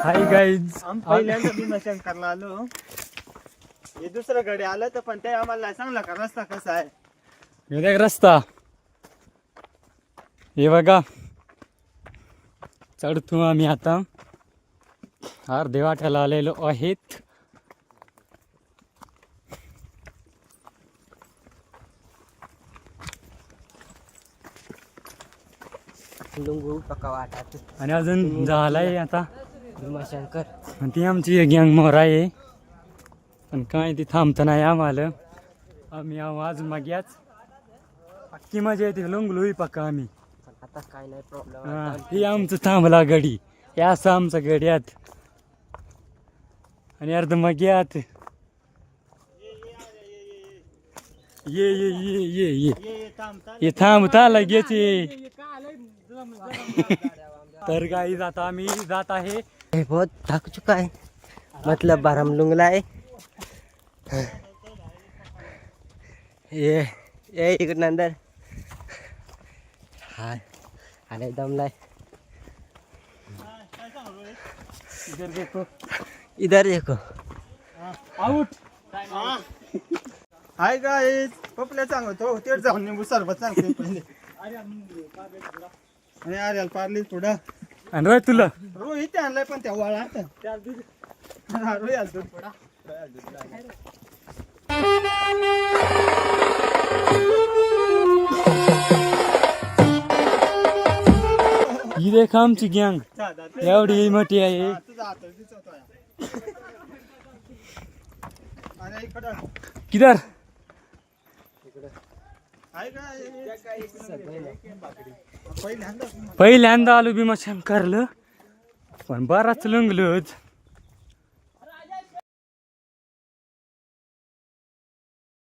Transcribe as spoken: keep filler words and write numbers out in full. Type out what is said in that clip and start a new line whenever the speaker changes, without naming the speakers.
Hi guys,
आम्ही पहिल्यांदा भीमाशंकरला आलो. हे दुसरं गडे आलं तर पण ते आम्हाला सांगला का रस्ता कसा आहे.
हे देख रस्ता. हे बघा, चढतो आम्ही आता. अर्धे वाट्याला आलेलो आहेत.
लुंगू पक्का वाटत
आणि अजून झालाय आता
भीमाशंकर.
आणि ती आमची गँग मोर आहे. पण काय ती थांबत नाही आम्हाला. आम्ही आहो अजून मग याच अख्खी मजा येते लंगलोही पक्का आम्ही.
आता काय नाही प्रॉब्लेम.
हा, ही आमचं थांबला गडी. हे असं आमचं गड्यात आणि अर्ध मग यात ये ये ये ये ये
ये थांबता
ये थांबता लगेच ये. तर गाई जाता आम्ही जात आहे.
ये बहुत थक चुका है, मतलब बारम लुंगला है. ये ये एक नंदर हाय आणि दमलाय.
इधर देखो,
इधर देखो.
आउट.
हाय गाईज, पपल्या सांगतो तेच जाऊन निंबू सरबत सांगते पहिले. आणि आर्याला पारली पुढं
आणि रोय तुला
रोहित इथे आणलाय पण त्या वाळा रोहित आलतो पुढा.
ही देख आमची गँग एवढी मोठी आहे. किधर पहिल्यांदा आलो भीमाशंकरला, पण बराच लंगलोच.